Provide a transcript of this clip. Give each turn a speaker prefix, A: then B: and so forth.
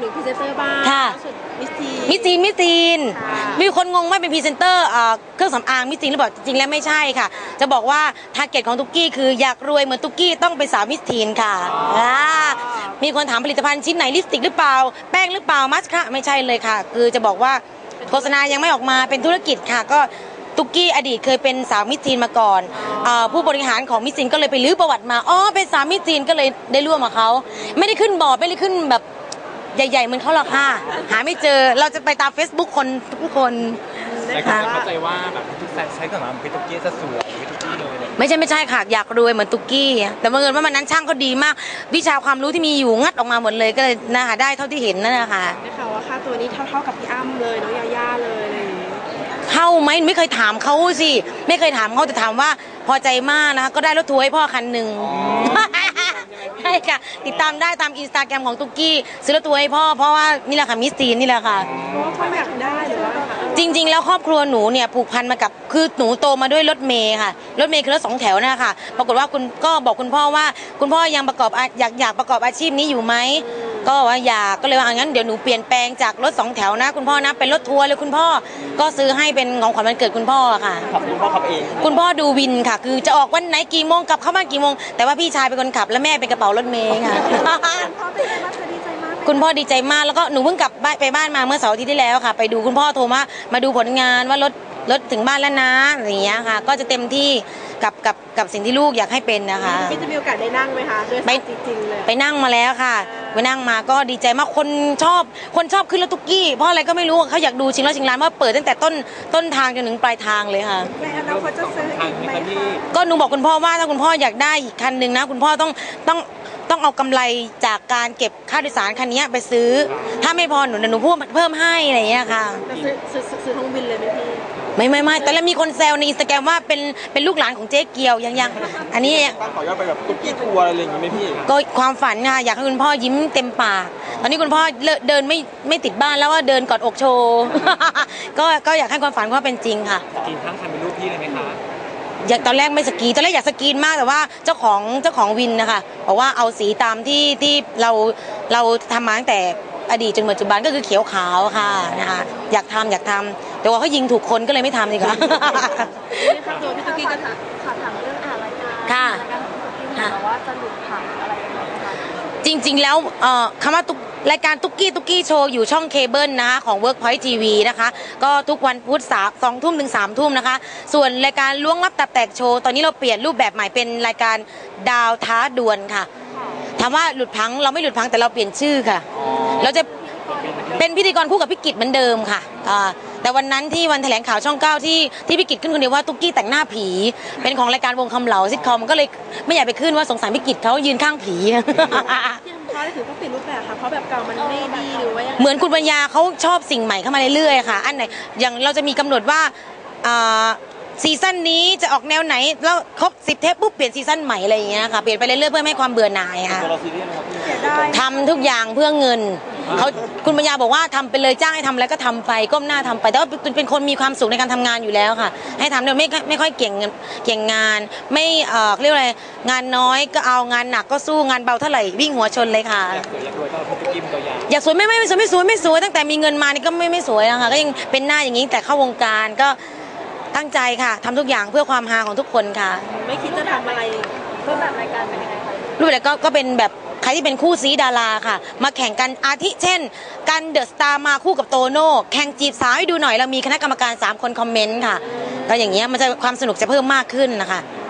A: หนูพรีเซนเตอร์บ้าง
B: ค่ะ
A: มิส
B: ซีนมีคนงงว่าเป็นพรีเซนเตอร์เครื่องสำอางมิสซีนหรือเปล่าจริงๆแล้วไม่ใช่ค่ะจะบอกว่าทาร์เก็ตของตุ๊กกี้คืออยากรวยเหมือนตุ๊กกี้ต้องเป็นสาวมิสซีนค่ะมีคนถามผลิตภัณฑ์ชิ้นไหนลิปสติกหรือเปล่าแป้งหรือเปล่ามัสค่ะไม่ใช่เลยค่ะคือจะบอกว่าโฆษณายังไม่ออกมาเป็นธุรกิจค่ะก็ตุ๊กกี้อดีตเคยเป็นสาวมิสซีนมาก่อนผู้บริหารของมิสซีนก็เลยไปลื้อประวัติมาเป็นสาวมิสซีนก็เลยได้ร่วมกับเขาไม่ได้ขึ้นบอร์ดไม่ได้ขึ้นแบบใหญ่ๆเหมือนเขาหรอกค่ะหาไม่เจอเราจะไปตาม Facebook คนทุกคน
C: นะคะเข้าใจว่าแบบทุกแซนใช้กับมันเป็นตุ๊กกี้จะสวยเป็นตุ๊กกี้เลย
B: ไม่ใช่ค่ะอยากรวยเหมือนตุ๊กกี้แต่บังเอิญว่ามันนั้นช่างเขาดีมากวิชาความรู้ที่มีอยู่งัดออกมาหมดเลยก็เลยนะคะได้เท่าที่เห็นนั่นแหละค่ะ
A: ได้ข่าวว่าค่าตัวนี้เท่ากับพี่อ้ำเลยน้องยาย่าเลยอะไรอย่างนี้
B: เท่าไหมไม่เคยถามเขาสิไม่เคยถามเขาแต่ถามว่าพอใจมากนะคะก็ได้รถทัวร์ให้พ่อคันหนึ่งใช่ค่ะติดตามได้ตามอินสตาแกรมของตุ๊กกี้ซื้อรถทัวร์ให้พ่อเพราะว่านี่แหละค่ะมิสซีนนี่แหละค่ะ
A: เพราะว่าพ่ออยากได้หรือว่า
B: จริงๆแล้วครอบครัวหนูเนี่ยผูกพันมากับคือหนูโตมาด้วยรถเมย์ค่ะรถเมย์คือรถ2 แถวนะคะปรากฏว่าคุณก็บอกคุณพ่อว่าคุณพ่อยังประกอบอยากประกอบอาชีพนี้อยู่ไหมก็ว่าอยากก็เลยว่างั้นเดี๋ยวหนูเปลี่ยนแปลงจากรถ2 แถวนะคุณพ่อนะเป็นรถทัวร์เลยคุณพ่อก็ซื้อให้เป็นของขวัญวันเกิดคุณพ่อค่ะ
C: คุณพ่อขับเอง
B: คุณพ่อดูวินค่ะคือจะออกวันไหนกี่โมงกลับเข้าบ้านกี่โมงแต่ว่าพี่ชายเป็นคนขับและแม่เป็นกระเป๋ารถเมย์ค่ะคุณพ่อดีใจมากแล้วก็หนูเพิ่งกลับไปบ้านมาเมื่อเสาร์อาทิตย์ที่แล้วค่ะไปดูคุณพ่อโทรมาดูผลงานว่ารถถึงบ้านแล้วนะอย่างเงี้ยค่ะก็จะเต็มที่กับสิ่งที่ลูกอยากให้เป็นนะคะ
A: พี่จะมีโอกาสได้นั่งไหมคะด้วยจริงๆเลย
B: ไปนั่งมาแล้วค่ะไปนั่งมาก็ดีใจมากคนชอบขึ้นรถตุ๊กกี้เพราะอะไรก็ไม่รู้เขาอยากดูชิงร้านว่าเปิดตั้งแต่ต้นทางจนถึงปลายทางเลยค่ะ
A: ในอนาคตจะซื้ออีกไหมคะ
B: ก็หนูบอกคุณพ่อว่าถ้าคุณพ่ออยากได้อีกคันหนึ่งนะคุณพ่อต้องเอากำไรจากการเก็บค่าโดยสารคันนี้ไปซื้อถ้าไม่พอหนูพูดเพิ่มให้อะไรอย่างเงี้ยค่ะ
A: ซื้อทั้งวินเลยไหมพี่
B: ไม่แต่แล้วมีคนแซวในอินสตาแกรมว่าเป็นลูกหลานของเจ๊เกียวยังอันนี้
C: ตั้งขอยอดไปแบบตุ๊กกี้ทัวร์อะไรอย่างงี้ไหมพี่
B: ก็ความฝันค่ะอยากให้คุณพ่อยิ้มเต็มปากตอนนี้คุณพ่อเดินไม่ติดบ้านแล้วว่าเดินกอดอกโชว์ก็อยากให้ความฝันว่าเป็นจริงค่ะ
C: กินทั้งคันเป็นรูปพี่เลยไหมคะ
B: อยากตอนแรกไม่สกีตอนแรกอยากสกีนมากแต่ว่าเจ้าของวินนะคะบอกว่าเอาสีตามที่เราทำมาตั้งแต่อดีตจนปัจจุบันก็คือเขียวขาวค่ะนะคะอยากทำแต่ว่าเขายิงถูกคนก็เลยไม่ทำดีกว่า
A: นี่ค่ะตัวพี่ตุ๊กกี้ก็ถามเรื่องรายการ
B: ค่ะ
A: ว่าจะหลุดผ่านอะไรยังไงคะ
B: จริงๆแล้วคำว่ารายการตุ๊กกี้โชว์อยู่ช่องเคเบิลนะคะของ Workpoint TV นะคะก็ทุกวันพุธ2 ทุ่มถึง3 ทุ่มนะคะส่วนรายการล้วงลับตับแตกโชว์ตอนนี้เราเปลี่ยนรูปแบบใหม่เป็นรายการดาวท้าดวลค่ะถามว่าหลุดพังเราไม่หลุดพังแต่เราเปลี่ยนชื่อค่ะเราจะเป็นพิธีกรคู่กับพี่กิจเหมือนเดิมค่ะแต่วันนั้นที่วันแถลงข่าวช่อง 9ที่พี่กิจขึ้นคนเดียวว่าตุ๊กกี้แต่งหน้าผีเป็นของรายการวงคำเหลาซิทคอมก็เลยไม่อยากไปขึ้นว่าสงสารพี่กิจเขายืนข้างผี
A: เขาได้ถือต้องเปลี่ยนรูปแบบค่ะเพราะแบบเก่ามันไม่ดีหรือว่า
B: เหมือนคุณปัญญาเขาชอบสิ่งใหม่เข้ามาเรื่อยๆค่ะอันไหนอย่างเราจะมีกำหนดว่าซีซั่นนี้จะออกแนวไหนแล้วครบ10 เทปปุ๊บเปลี่ยนซีซั่นใหม่อะไรอย่างเงี้ยค่ะเปลี่ยนไปเรื่อยๆเพื่อให้ความเบื่อหน่ายค่ะทำทุกอย่างเพื่อเงินเขาคุณปัญญาบอกว่าทำไปเลยจ้างให้ทำแล้วก็ทำไปก้มหน้าทำไปแต่ว่าเป็นคนมีความสุขในการทำงานอยู่แล้วค่ะให้ทำโดยไม่ค่อยเก่งงานไม่เรียกอะไรงานน้อยก็เอางานหนักก็สู้งานเบาเท่าไหร่วิ่งหัวชนเลยค่ะอยากสวยไม่สวยตั้งแต่มีเงินมานี่ก็ไม่สวยนะคะก็ยังเป็นหน้าอย่างนี้แต่เข้าวงการก็ตั้งใจค่ะทำทุกอย่างเพื่อความฮาของทุกคนค่ะ
A: ไม่คิดจะทำอะไรรูปแบบรายการเป็นยังไงคะ
B: รูปแบบก็เป็นแบบใครที่เป็นคู่ซีดาราค่ะมาแข่งกันอาทิเช่นกันเดอะสตาร์มาคู่กับโตโน่แข่งจีบสาวให้ดูหน่อยเรามีคณะกรรมการ3 คนคอมเมนต์ค่ะก็อย่างเงี้ยมันจะความสนุกจะเพิ่มมากขึ้นนะคะ